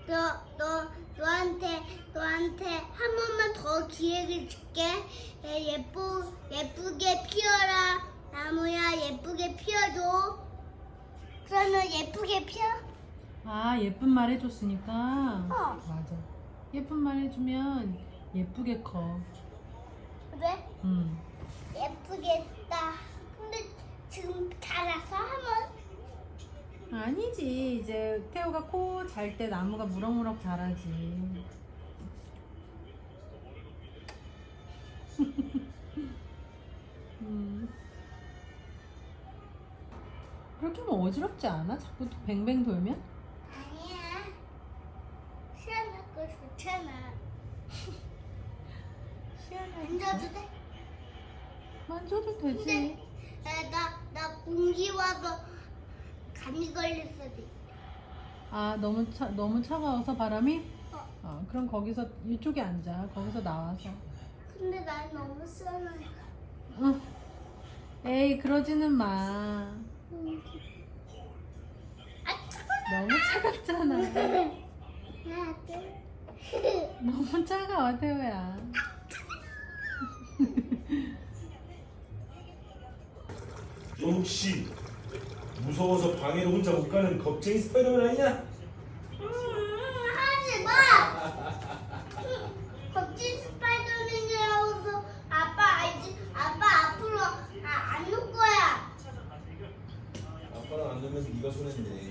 너한테 한 번만 더 기회를 줄게. 예쁘게 피어라. 나무야, 예쁘게 피어줘. 그러면 예쁘게 피어? 아, 예쁜 말 해줬으니까. 어. 맞아. 예쁜 말 해주면 예쁘게 커. 그래? 응. 예쁘겠다. 근데 지금 자라서 하면 아니지. 이제 태호가 코 잘 때 나무가 무럭무럭 자라지. 그렇게 하면 어지럽지 않아? 자꾸 또 뱅뱅 돌면? 아니야. 시원하고 좋잖아. 만져도 돼? 만져도 되지. 근데 나 공기 와서 감기 걸릴 수도 있어. 아, 너무 차가워서 바람이? 어. 그럼 거기서 이쪽에 앉아. 거기서 나와서. 근데 난 너무 시원해. 응. 에이, 그러지는 마. 아, 차가워. 너무 차갑잖아. 하나, 둘. 너무 차가워, 태호야. 너 혹시 무서워서 방에도 혼자 못 가는 겁쟁이 스파이더맨 아니냐? 하지 마! 겁진 스파이더맨이라고서 아빠 알지? 아빠 앞으로 안 놓을 거야. 아빠랑 안 놀면서 네가 손했네.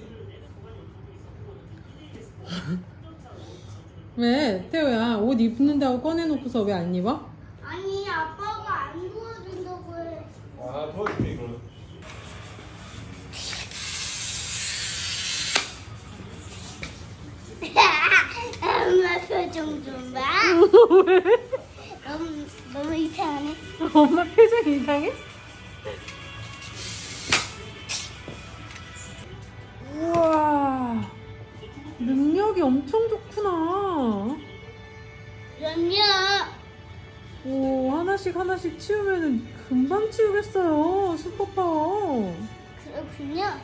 왜? 태호야, 옷 입는다고 꺼내놓고서 왜 안 입어? 아니, 아빠가 안 도와준다고 해. 아 도와줄게 그럼. 엄마 표정 좀 봐. 너무 이상하네. 엄마 표정 이상해? 우와, 능력이 엄청 좋구나. 그럼요. 오, 하나씩 치우면은 금방 치우겠어요. 슈퍼파워. 그렇군요.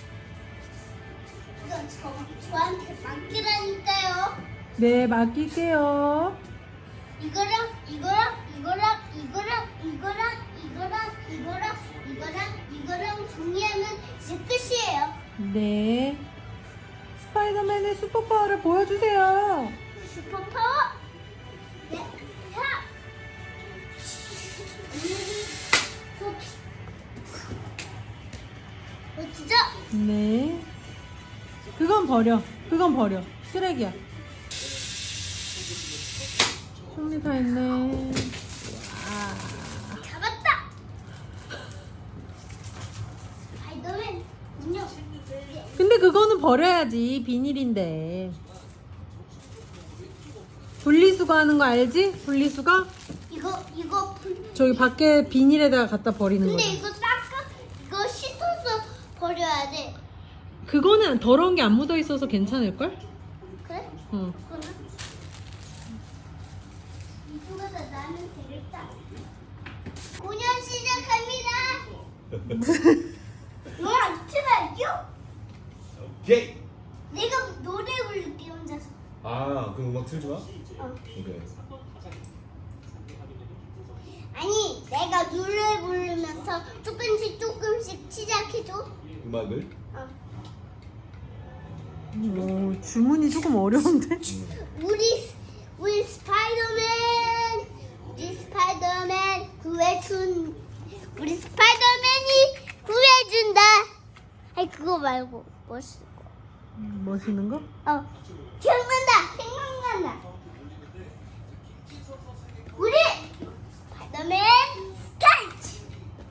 이건 저한테 맡기라니까요. 네, 맡길게요. 이거랑 정리하면 이제 끝이에요. 네. 스파이더맨의 슈퍼파워를 보여주세요. 슈퍼파워. 네. 하. 멋지죠? 네. 그건 버려. 쓰레기야. 정리 다 했네. 잡았다. 스파이더맨 운영. 근데 그거는 버려야지. 비닐인데. 분리수거 하는 거 알지? 분리수거? 이거 저기 밖에 비닐에다가 갖다 버리는 근데 거야. 이거 씻어서 버려야 돼. 그거는 더러운 게 안 묻어 있어서 괜찮을걸? 그래? 응. 그거는 이쪽에다 나면 되겠다. 공연 시작합니다. 너랑 틀어요? 오케이. 내가 노래 부를게 혼자서. 아 그럼 음악 틀지 마. 어. 오케이. 아니 내가 노래 부르면서 조금씩 시작해줘. 음악을. 어. 오, 주문이 조금 어려운데? 우리 스파이더맨 구해준 우리 스파이더맨이 구해준다. 아니 그거 말고 멋있는 거? 생각난다. 우리 스파이더맨 스타트.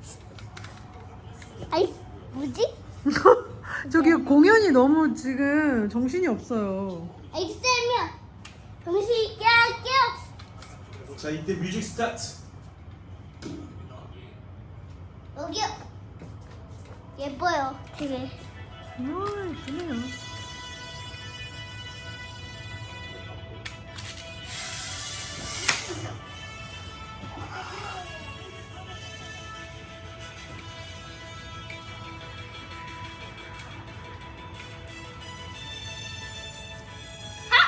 아이 뭐지? 저기 공연이 너무 지금 정신이 없어요. 엑셀면 정신 있게 할게요. 자 이때 뮤직 스타트. 여기요. 예뻐요 되게. 예쁘네요. 하!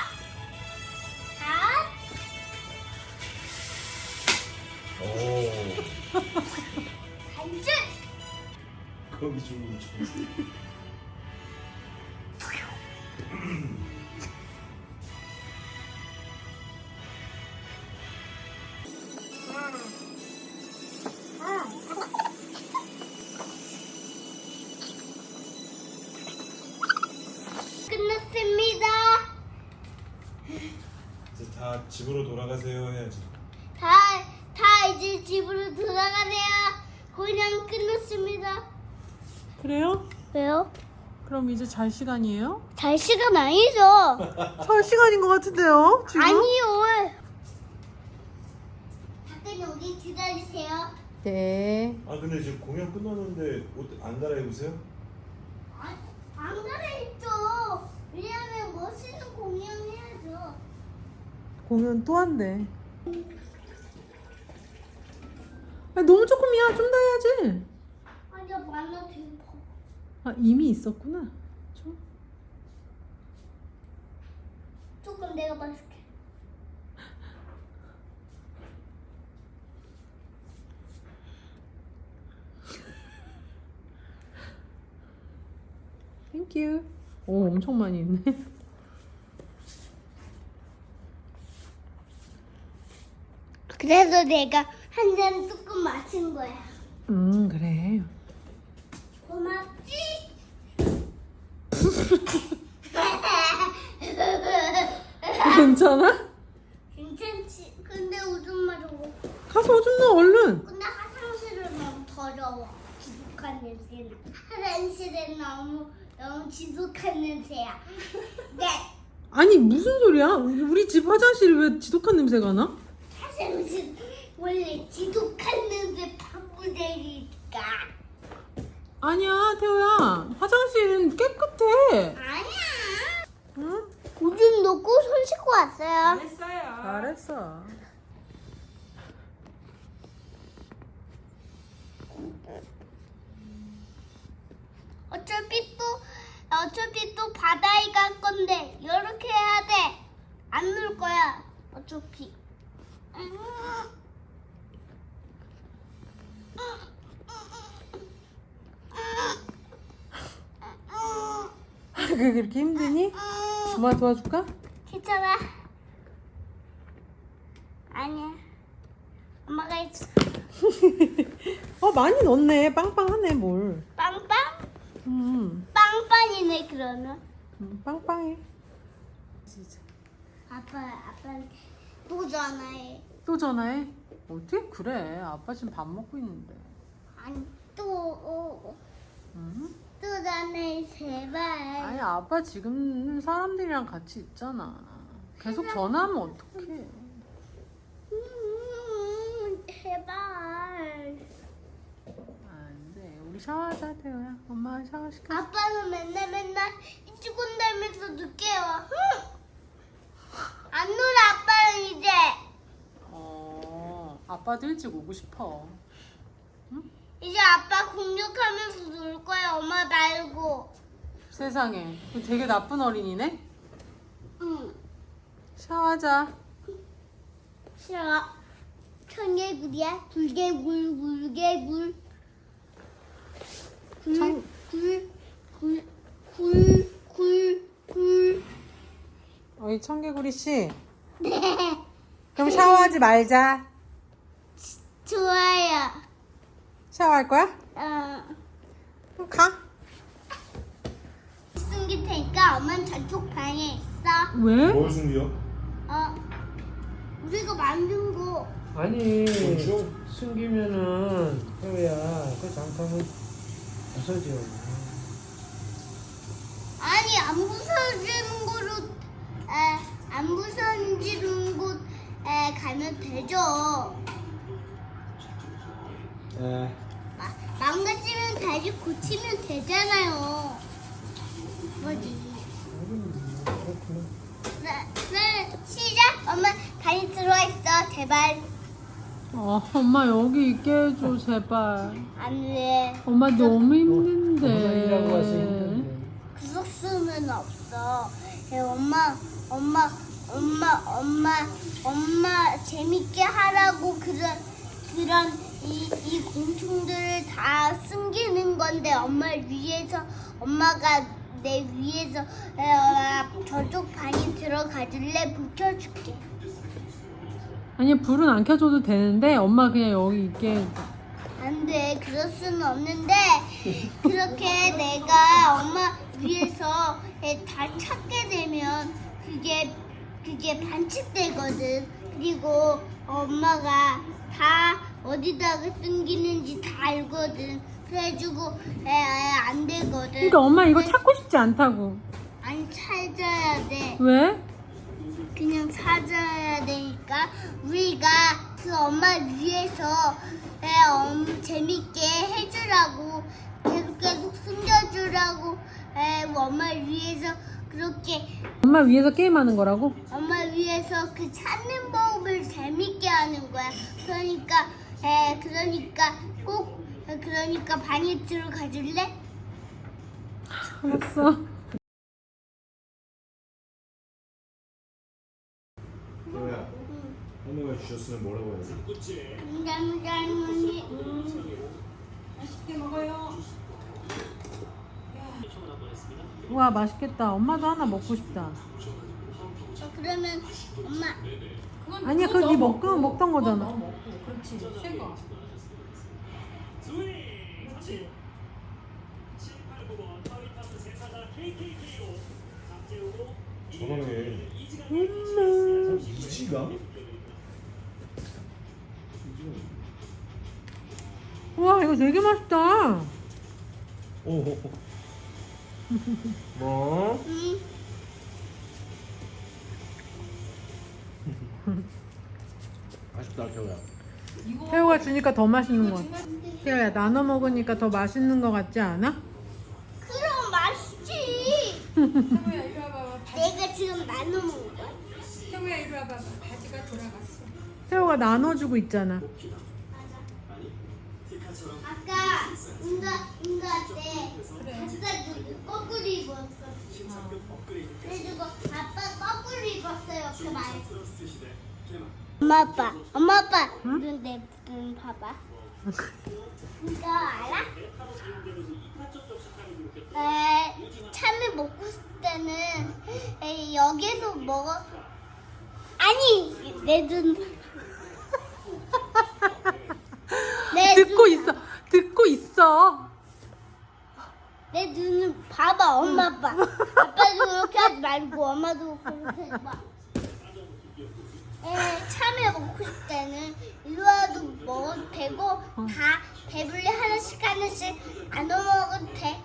여기 좀. 끝났습니다. 이제 다 집으로 돌아가세요 해야지. 다 이제 집으로 돌아가세요. 그냥 끝났습니다. 그래요? 왜요? 그럼 이제 잘 시간이에요? 잘 시간 아니죠? 잘 시간인 것 같은데요? 지금? 아니요. 잠깐 여기 기다리세요. 네. 아 근데 지금 공연 끝났는데 옷 안 갈아입으세요? 안 갈아입죠. 왜냐면 멋있는 공연해야죠. 공연 또 한대. 아니, 너무 조금이야. 좀 더 해야지. 아니야, 만나 되게 커. 아, 이미 있었구나. 좀. 조금 내가 봐줄게. 땡큐. 오, 엄청 많이 있네. 그래서 내가 한 잔 조금 마신 거야. 그래. 고맙지? 괜찮아? 괜찮지? 근데 오줌 마려워. 가서 오줌 넣어, 얼른. 근데 화장실은 너무 더러워. 지독한 냄새는. 화장실은 너무 지독한 냄새야. 네. 아니, 무슨 소리야? 우리 집 화장실이 왜 지독한 냄새가 나? 화장실 원래 지독한 냄새 방구대니까. 아니야, 태호야. 화장실은 깨끗해. 아니야. 응? 오줌 넣고 손 씻고 왔어요. 잘했어. 어차피 또 바다에 갈 건데 이렇게 해야 돼. 안 놀 거야. 어차피. 그게 그렇게 힘드니? 엄마 도와줄까? 괜찮아. 아니야. 엄마가 해줘. 많이 넣었네. 빵빵하네, 뭘. 빵빵? 빵빵이네 그러면. 빵빵해. 아빠 또 전화해. 또 전화해? 어떻게 그래? 아빠 지금 밥 먹고 있는데. 아니 또 응? 전화해 제발. 아니, 아빠 지금 사람들이랑 같이 있잖아. 계속 전화하면 어떡해. 제발. 안 돼. 우리 샤워하자, 태호야. 엄마 샤워 시켜. 아빠는 맨날 일찍 온다면서 늦게 와. 안 놀아 아빠는 이제. 아빠도 일찍 오고 싶어. 이제 아빠 공격하면서 놀 거야 엄마 말고. 세상에. 되게 나쁜 어린이네? 응. 샤워하자. 싫어. 청개구리야. 굴개굴 굴개굴. 굴. 어이, 청개구리 씨. 그럼 샤워하지 말자. 좋아요. 샤워할 거야? 그럼 가. 숨길 테니까 엄마는 저쪽 방에 있어. 왜? 뭘 숨겨? 우리가 만든 거. 아니 뭐죠? 숨기면은 태우야 그 장판은 부서져. 아니 안 부서지는 곳으로 안 부서지는 곳에 가면 되죠. 에 망가지면 다시 고치면 되잖아요. 뭐지? 그렇구나. 네, 시작. 엄마 다시 들어와 있어. 제발. 엄마 여기 있게 해줘, 제발. 안 돼. 엄마 너무 엄마 일하고 와서 힘든데. 힘든데. 구석 수는 없어. 엄마 재밌게 하라고 그런 이 곤충들을 다 숨기는 건데 엄마를 위해서 엄마가 내 위해서 저쪽 방에 들어가줄래? 불 켜줄게. 아니 불은 안 켜줘도 되는데 엄마 그냥 여기 있게. 안 돼, 그럴 수는 없는데 그렇게 내가 엄마 위해서 다 찾게 되면 그게 반칙되거든. 그리고 엄마가 다 어디다가 숨기는지 다 알거든. 그래가지고 안 되거든. 그러니까 엄마 이거 찾고 싶지 않다고. 아니 찾아야 돼. 왜? 그냥 찾아야 되니까 우리가 그 엄마 위해서 재밌게 해주라고 계속 숨겨주라고 엄마 위해서 그렇게 엄마 위해서 게임하는 거라고? 엄마 위해서 그 찾는 법을 재밌게 하는 거야. 그러니까 그러니까 방에 들어가 줄래? 알았어. 태호야, 할머니가 주셨으면 뭐라고 해야지? 감사합니다. 와 맛있겠다. 엄마도 하나 먹고 싶다. 그러면 엄마 아니야 그거 네 먹던 거잖아. 저번에 이지가? 와 이거 되게 맛있다. 오. 뭐? 맛있다, 태호야. 태호가 주니까 더 맛있는 거 같아. 태호야 나눠 먹으니까 더 맛있는 거 같지 않아? 그럼 맛있지. 내가 지금 나눠 먹은 거야. 태호야 이리 와봐. 바지가 돌아갔어. 태호가 나눠주고 있잖아. 아까 응가 때 아빠 거꾸로 입었어. 그래가지고 아빠 거꾸로 입었어요. 그 말. 엄마 아빠 눈 봐봐. 이거 알아? 참외 먹고 싶을 때는 여기서 먹어. 아니 내 눈. 듣고 있어. 내 눈을 봐봐, 엄마 아빠. 아빠도 그렇게 하지 말고 엄마도 그렇게 하지 마. 참외 먹고 싶을 때는 일로 와도 먹어도 되고 다 배불리 하나씩 나눠 먹어도 돼.